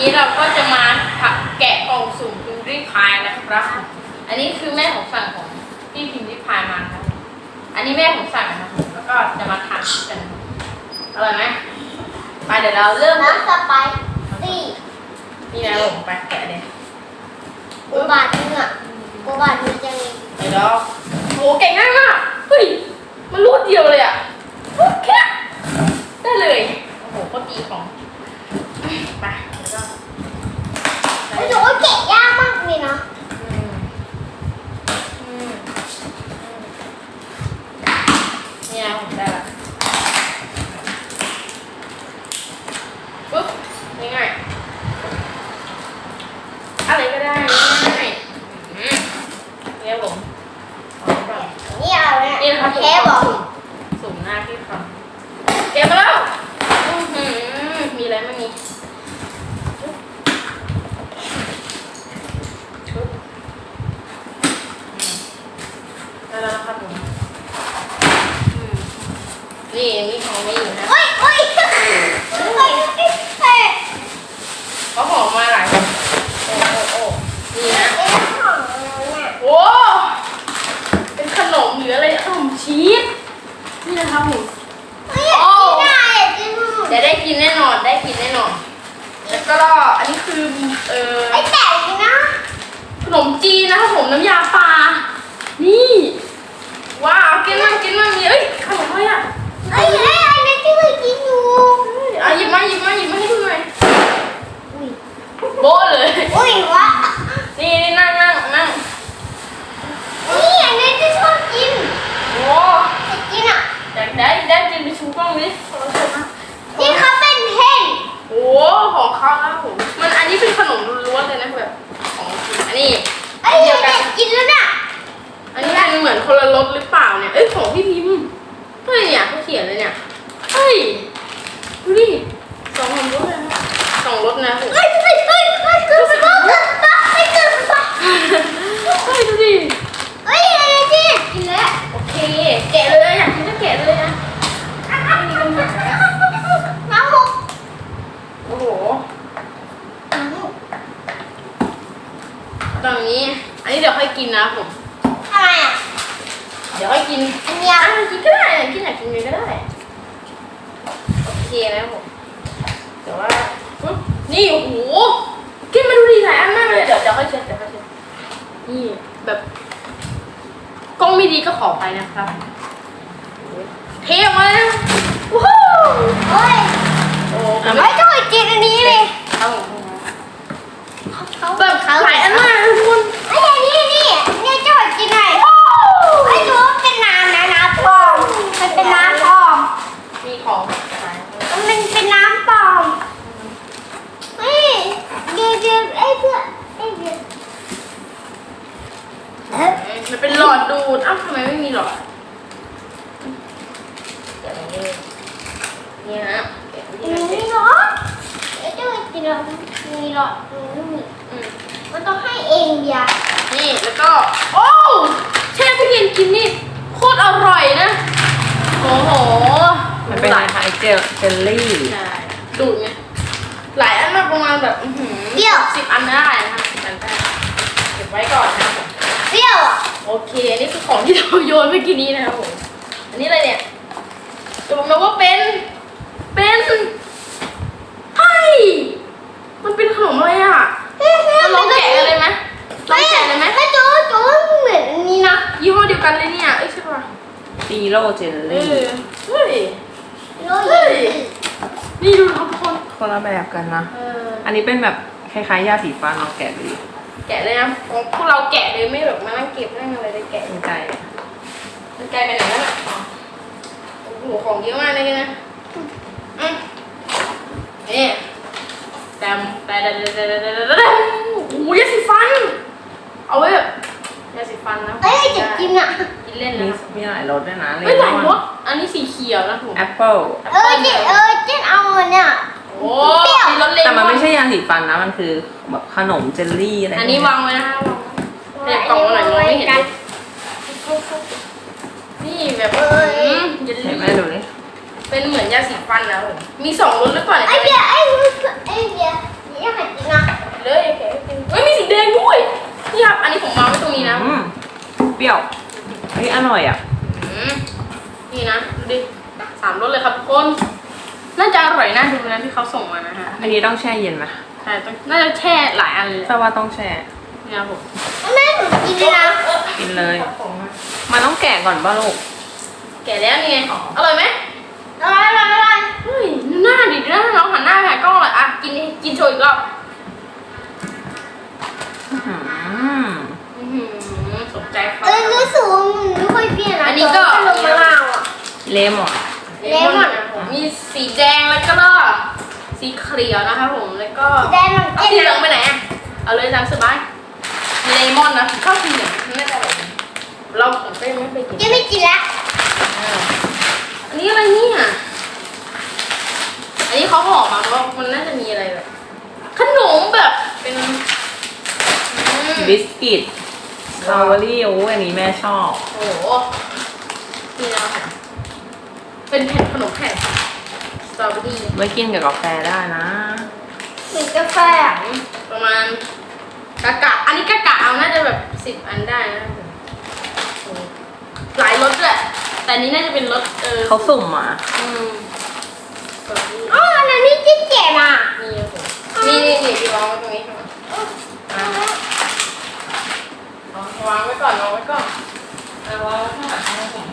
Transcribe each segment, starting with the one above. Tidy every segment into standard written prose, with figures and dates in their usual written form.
นี้เราก็จะมาแกะกล่องสุ่มพิมพ์ริพายนะครับอันนี้คือแม่ของสั่งของที่พิมพ์ริพายมาครับอันนี้แม่ของสั่งนะครับแล้วก็จะมาทานกันอร่อยไหมไปเดี๋ยวเราเริ่มน้ำสไปซี่นี่นะผมไปแกะเลยกูบาทนึงอ่ะกูบาทนึงจะมีเดี๋ยวโหแกะง่ายมากเฮ้ยมันรูดเดียวเลยอ่ะแค่ได้เลยโอ้โหโคตรดีของไปแล้วก็ไม่รู้ว่าแกะยากมากเลยนะนี่นะผมได้ละปุ๊บง่ายๆอะไรก็ได้ง่ายเนี่ยผมเอานี่เอาเนี่ยนี่นะครับแค่บอกสุ่มหน้าพี่ฟังเก็บมาแล้วมีอะไรไม่มีได้แล้วนะครับผมนี่มีของไม่อยู่นะเฮ้ยเฮ้ยเฮ้ยเฮ้ยเขาหอมมาหลายโอ้นี่นะเอ๊ะของเราเนี่ยโอ้เป็นขนมหรืออะไรขนมชีสนี่นะครับผมเฮ้ยอยากกินอ่ะอยากกินเดี๋ยวได้กินแน่นอนได้กินแน่นอนแล้วก็อันนี้คือไอ้แต่กินนะขนมจีนนะครับผมน้ำยาปลานี่ว้าวกินมากมีเอ้ยขนมอะไรอ่ะเอ้ยไอ้อันนี้ที่เคยกินอยู่หยิบมาให้ดูหน่อยอุ้ยโบ้เลยอุ้ยวะนี่นั่งนี่อันนี้ที่ชอบกินโอ้อยากกินอ่ะอยากได้กินไปชูกล้องดิขอโทษนะที่เขาเป็นเพ่นโอ้ของเขาแล้วผมมันอันนี้เป็นขนมล้วนเลยนะแบบของจริงอันนี้ไอ้อยากกินแล้วน่ะอันนี้มันเหมือนคนละรสหรือเปล่าเนี่ยเอ้ยของพี่พิมพ์เฮ้ยเนี่ยเขาเขียนเลยเนี่ยเฮ้ยดูดิ2 รสเลยนะ2 รสนะผมเฮ้ยเกินไปเฮ้ยดูดิเฮ้ยอะไรที่กินแล้วโอเคแกะเลยอยากกินก็แกะเลยนะไม่มีปัญหาน้ำหกโอ้โหตอนนี้อันนี้เดี๋ยวค่อยกินนะผมทำไมอ่ะเดี๋ยวค่อยกินอันเนี้ยกินก็ได้กินอยากกินเลยก็ได้โอเคนะผมแต่ว่าปุ๊บนี่โอ้โหกินมาดูดีหลายอันมากเลยเดี๋ยวค่อยเช็ดนี่แบบกล้องไม่ดีก็ขอไปนะครับเทออกมาเลยว้าวเฮ้ยโอ้ไม่ต้องกินอันนี้เลยครับผมแบบหลายอันมากเลยทุกคนไอ้นี่จะกินไหนไอ้รู้ว่าเป็นน้ำนะน้ำปลอมมันเป็นน้ำปลอมมีของมันเป็นน้ำปลอมเฮ้ยเดี๋ยวไอ้เพื่อนไอ้เดี๋ยวมันเป็นหลอดดูดอ้าวทำไมไม่มีหลอดเดี๋ยวนี่ฮะมีหรอไอ้เจ้ากินแล้วมีหรอมันต้องให้เองเดียนี่แล้วก็โอ้แช่พี่เย็นกินนี่โคตรอร่อยนะโอ้โหมันเป็นคล้ายๆเจลลี่ใช่ดูดไงหลายอันมากประมาณแบบ10 อันได้นะครับ10 อันได้เก็บไว้ก่อนนะครับผมเปรี้ยวอ่ะโอเคนี่คือของที่เราโยนเมื่อกี้นี้นะครับผมอันนี้อะไรเนี่ยจะบอกนะว่าเป็นเฮ้ยมันเป็นขนมอะไรอ่ะเราลองแกะกันเลยไหมลองแกะเลยไหมถ้าจูเหมือนอันนี้นะยี่ห้อเดียวกันเลยเนี่ยเอ้ยใช่ป่ะซีโร่เจลลี่เฮ้ยโอ้ยนี่ดูครับทุกคนคนละแบบกันนะ อันนี้เป็นแบบคล้ายๆยาสีฟันเราแกะดูดิแกะเลยนะพวกเราแกะเลยไม่แบบมานั่งเก็บนั่งอะไรเลยแกะเป็นใจมันกลายเป็นไหนแล้วล่ะโอ้โหของเยอะมากเลยนะนี่แต่โอ้ยยาสีฟันเอาไว้แบบยาสีฟันนะเอ้ยจะกินอ่ะกินเล่นมีนะมีหลายรสด้วยนะเลไม่หลายรมอสอันนี้สีเขียวนะผมแอปเปิ้ลเจ๊เอาเนี่ยโอ้มีรสเล็กแต่มันไม่ใช่ยาสีฟันนะ มันคือแบบขนมเจลลี่อะไรอันนี้วางไว้นะคะเด็กกล่องมาหน่อยมองไม่เห็นเลยนี่แบบเยลเห็นไหมลี่ดูนี่เป็นเหมือนยาสีฟันนะผมมี2 รสหรือเปล่าเนี่ยไอ้เบียร์อยากกินเลยแกะให้กินเฮ้ยมีสีแดงด้วยนี่ครับอันนี้ผมวางไว้ตรงนี้นะเปรี้ยวเฮ้ยอร่อยอ่ะนี่นะดูดิ3 รสเลยครับทุกคนน่าจะอร่อยน่าดูนะที่เขาส่งมานะฮะอันนี้ต้องแช่เย็นไหมใช่ต้องน่าจะแช่หลายอันเลยแต่ว่าต้องแช่นี่ครับผมแม่หนูกินเลยนะกินเลย มันต้องแกะก่อนป่ะลูกแกะแล้วนี่ไงอร่อยไหมอร่อยอร่อยอร่อยเฮ้ยหน้าดิหน้าน้องหันหน้าไปหากล้องเลยอ่ะกินโชว์อีกรอบ สนใจครับรู้สึกว่ามันไม่ค่อยเปรี้ยวนะอันนี้ก็ลงมะนาวอ่ะเลมอนเลมอนนะผมมีสีแดงแล้วก็สีเขียวนะครับผมแล้วก็แดงมันเอาสีเหลืองไปไหนอ่ะเอาเลยตามสบายเลมอนนะชอบสีเหลืองไม่ได้แบบเราผมก็ยังไม่ไปกินยังไม่กินละอันนี้อะไรเนี่ยอันนี้เขาห่อมาว่ามันน่าจะมีอะไรแบบขนมแบบเป็นบิสกิตสตรอเบอรี่โอ้ยอันนี้แม่ชอบโอ้โหนี่นะคะเป็นแผ่นขนมแผ่นสตรอเบอรี่ไว้กินกับกาแฟได้นะเหมือนกาแฟอ่ะประมาณกะอันนี้กะเอาน่าจะแบบ10 อันได้นะโอ้หลายรสแหละแต่อันนี้น่าจะเป็นรสเขาสุ่มมาสตรอเบอรี่อ๋ออันนี้ที่แกะมานี่ครับผมนี่พี่วางไว้ตรงนี้ครับวางไว้ก่อนวางไว้ก่อนวางไว้ข้างหลังนะครับผม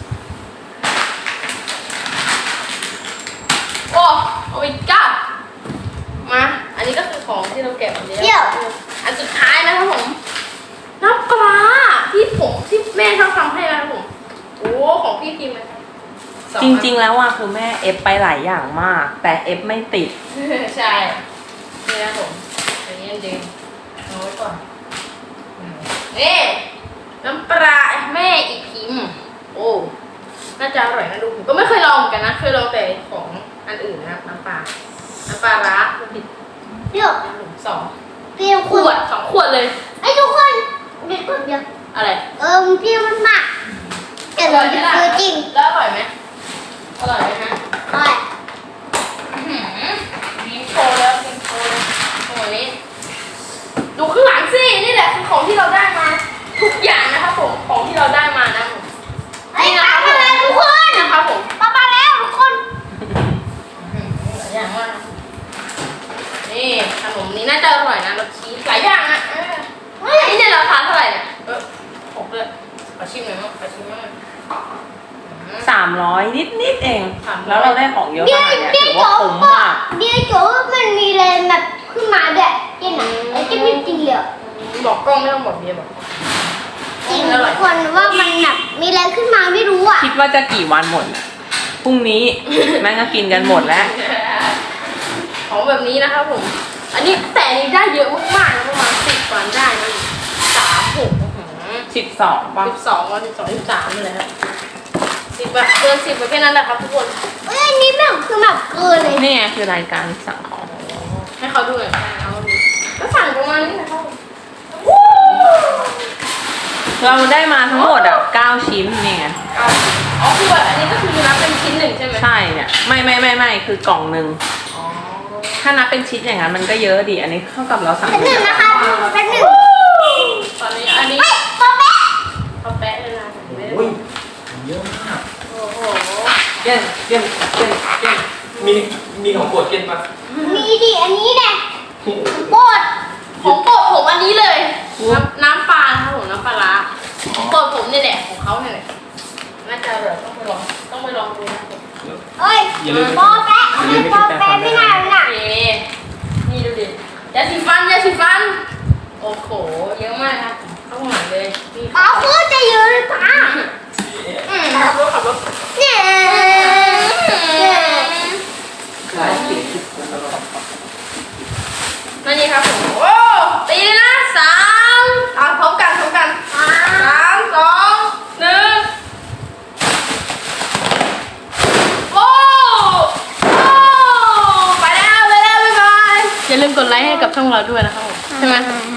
โอ้โอ้ยก้ามา อันนี้ก็คือของที่เราแกะวันนี้อันสุดท้ายนะครับผมน้ำปลาที่แม่ชอบทำให้นะครับผมโอ้ของพี่พิมพ์นะครับจริงๆแล้วอ่ะคือแม่เอฟไปหลายอย่างมาก แต่เอฟไม่ติดใช่นี่นะผมอันนี้อันเดิมเอาไว้ก่อนนี่น้ำปลาแม่อีพิมพ์โอ้น่าจะอร่อยนะดูผมก็ไม่เคยลองเหมือนกันนะเคยลองแต่ของอันอื่นนะครับน้ำปลาร้าผิดเปรี้ยว 2 เปรี้ยวขวด2 ขวดเลยไอ้ทุกคนเดี๋ยวก่อนเดี๋ยวอะไรมันเปรี้ยวมากแต่เราจะซื้อจริงแล้วอร่อยไหมอร่อยไหมฮะอร่อยมีโชว์แล้วมีโชว์แล้วโอ้นี้ดูข้างหลังสินี่แหละคือของที่เราได้มาทุกอย่างนะครับผมของที่เราได้มานะผมไอ้ปลามาแล้วทุกคนนะครับผมปลามาแล้วทุกคนหลายอย่างมากนี่ขนมนี้น่าจะอร่อยนะรสชีสหลายอย่างอ่ะอันนี้เนี่ยราคาเท่าไหร่เนี่ย6เลยขอชิมหน่อยมั้งขอชิมมั้ง 300 นิดเอง 300 แล้วเราได้ของเยอะขนาดเนี้ยถือว่าคุ้มมากเดี๋ยวโจ้มันมีอะไรแบบขึ้นมาด้วยกินอ่ะไอ้ที่ไม่กินเลยบอกกล้องไม่ต้องบอกเบียร์บอกจริงทุกคนว่ามันแบบมีอะไรขึ้นมาไม่รู้อ่ะคิดว่าจะกี่วันหมดน่ะพรุ่งนี้ แม่งก็กินกันหมดแล้วของแบบนี้นะครับผมอันนี้แต่อันนี้ได้เยอะมากๆนะประมาณ10 วันได้นะ3 6 12ป่ะ 12 วัน12 13นี่แหละครับ10แบบเกิน10ไปแค่นั้นแหละครับทุกคนอันนี้แบบคือแบบเกินเลยนี่ไงคือรายการสั่งของให้เขาดูหน่อยเอาดูก็สั่งประมาณนี้นะครับเราได้มาทั้งหมด9 ชิ้นนี่ไงอ๋อคือแบบอันนี้ก็คือนับเป็นชิ้นหนึ่งใช่ไหมใช่เนี่ยไม่คือกล่องหนึ่งอ๋อถ้านับเป็นชิ้นอย่างนั้นมันก็เยอะดิอันนี้เท่ากับเราสั่งเป็นหนึ่งนะคะเป็นหนึ่งตอนนี้อันนี้ปลาแป๊ะเขาแปะเลยนะไม่ได้โอ้ยเยอะมากโอ้โหเก้นมีของโปรดเก้นปะมีดิอันนี้แหละโบดของโปรดผมอันนี้เลยน้ำปลาครับผมน้ำปลาร้าของโปรดผมเนี่ยแหละของเขาเนี่ยแหละน่าจะแบบต้องไปลองดูนะผมเอ้ยอย่าลืมปลาแป๊ะปลาแป๊ะไม่น่าเลยน่ะโอเคนี่ดูดิยาสีฟันโอ้โหเยอะมากครับเข้าหมายเลยนี่ปลาโคตรจะเยอะเลยปลาขับรถเนี่ยหลายสิบนั่นนี่ครับผมโอ้ตีเลยนะ3เอาพร้อมกัน3 2 1โอ้ไปแล้วบ๊ายบายอย่าลืมกดไลค์ให้กับช่องเราด้วยนะครับผมใช่ไหม